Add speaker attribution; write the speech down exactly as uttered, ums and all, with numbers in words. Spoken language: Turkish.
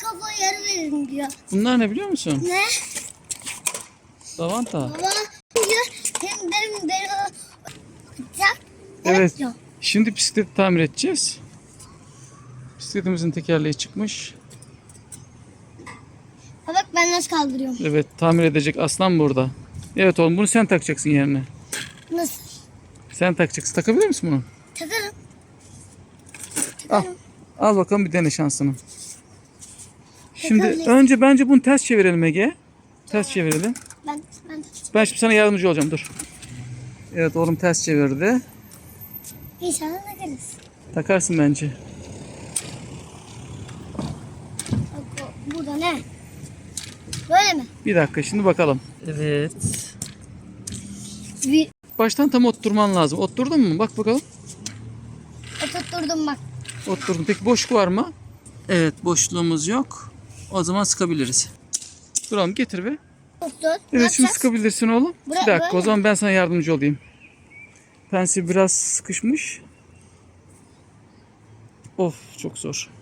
Speaker 1: kafayı yarı verin diyor.
Speaker 2: Bunlar ne biliyor musun?
Speaker 1: Ne?
Speaker 2: Lavanta.
Speaker 1: Baba diyor hem derim beni atacak.
Speaker 2: Evet.
Speaker 1: Diyor.
Speaker 2: Şimdi bisikleti tamir edeceğiz. Bisikletimizin tekerleği çıkmış.
Speaker 1: Ha bak ben nasıl kaldırıyorum.
Speaker 2: Evet, tamir edecek aslan burada. Evet oğlum, bunu sen takacaksın yerine.
Speaker 1: Nasıl?
Speaker 2: Sen takacaksın. Takabilir misin bunu?
Speaker 1: Takarım.
Speaker 2: Al. Al bakalım, bir dene şansını. Şimdi
Speaker 1: Takabilir.
Speaker 2: önce bence bunu ters çevirelim Ege. Ters çevirelim.
Speaker 1: Ben ben
Speaker 2: Ben şimdi sana yardımcı olacağım, dur. Evet oğlum, ters çevirdi.
Speaker 1: İnşallah takarız.
Speaker 2: Takarsın bence.
Speaker 1: Bak o- burada ne? Böyle mi?
Speaker 2: Bir dakika, şimdi bakalım. Evet.
Speaker 1: Bir
Speaker 2: Baştan tam oturtman lazım. Otturdun mu? Bak bakalım.
Speaker 1: oturtturdum bak.
Speaker 2: Otturdum. Peki boşluk var mı? Evet, boşluğumuz yok. O zaman sıkabiliriz. Duralım, getir be.
Speaker 1: Tuttu. Ne
Speaker 2: Evet, şimdi
Speaker 1: yapacağız?
Speaker 2: sıkabilirsin oğlum.
Speaker 1: Bura-
Speaker 2: Bir dakika,
Speaker 1: böyle
Speaker 2: o zaman ben sana yardımcı olayım. Pensil biraz sıkışmış. Of, çok zor.